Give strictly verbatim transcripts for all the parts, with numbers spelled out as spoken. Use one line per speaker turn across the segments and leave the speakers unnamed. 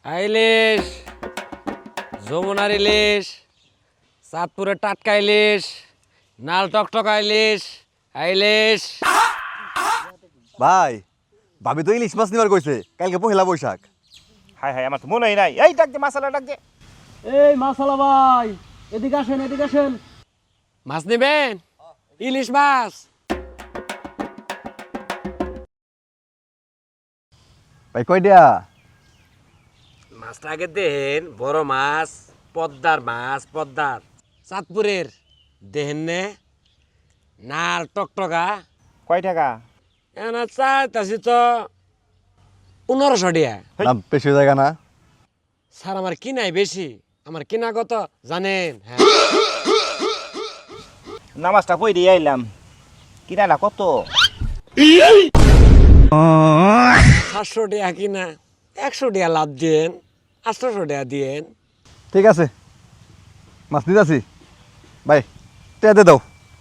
Eilish, যমুনার ইলিশ, চাঁদপুরের টাটকা ইলিশ, নাল টকটক আইলিশ, আইলিশ।
ভাই ভাবি তো ইলিশ মাছ নিবার কইছে কালকে পহেলা বৈশাখ।
হাই হাই আমার তো মনেই নাই। এই ডাক দে মাসালা ডাক দে।
এই মাসালা ভাই এদিকে আসেন এদিকে আসেন।
মাছ নেবেন? ইলিশ মাছ।
ভাই কয়টা?
মাছটা আগে দেহেন, বড় মাছ, পদ্মার মাছ, পদ্মার চাঁদপুরের দেহেন নে, নাল টকটকা।
কয় টাকা?
এনা চাইতাছি তো পনেরোশো টাকা।
দাম বেশি হয়ে যায় না?
স্যার আমার কিনাই বেশি, আমার কিনা কত জানেন? হ্যাঁ,
নামাজটা কই দিয়ে আইলাম। কিনা না কত?
সাতশো টাকা কিনা, একশো টাকা লাভ দিয়েন, আটশোশো টাকা দিয়েন।
ঠিক আছে মাছ নিতে আছি ভাই, টেয়া দিয়ে দাও।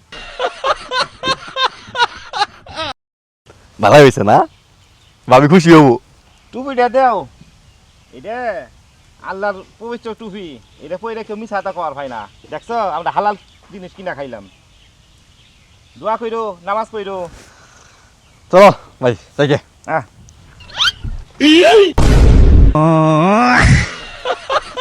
ভালো হয়েছে না? ভাবি খুশি হবো।
টুপিটা দেও। এটা আল্লাহর পবিত্র টুপি। এটা পরে কেউ মিছাতা কর ভাই না। দেখছো আমরা হালাল জিনিস কিনা খাইলাম। দোয়া কইরো, নামাজ পড়ো।
চলো ভাই তাইকে।
আহ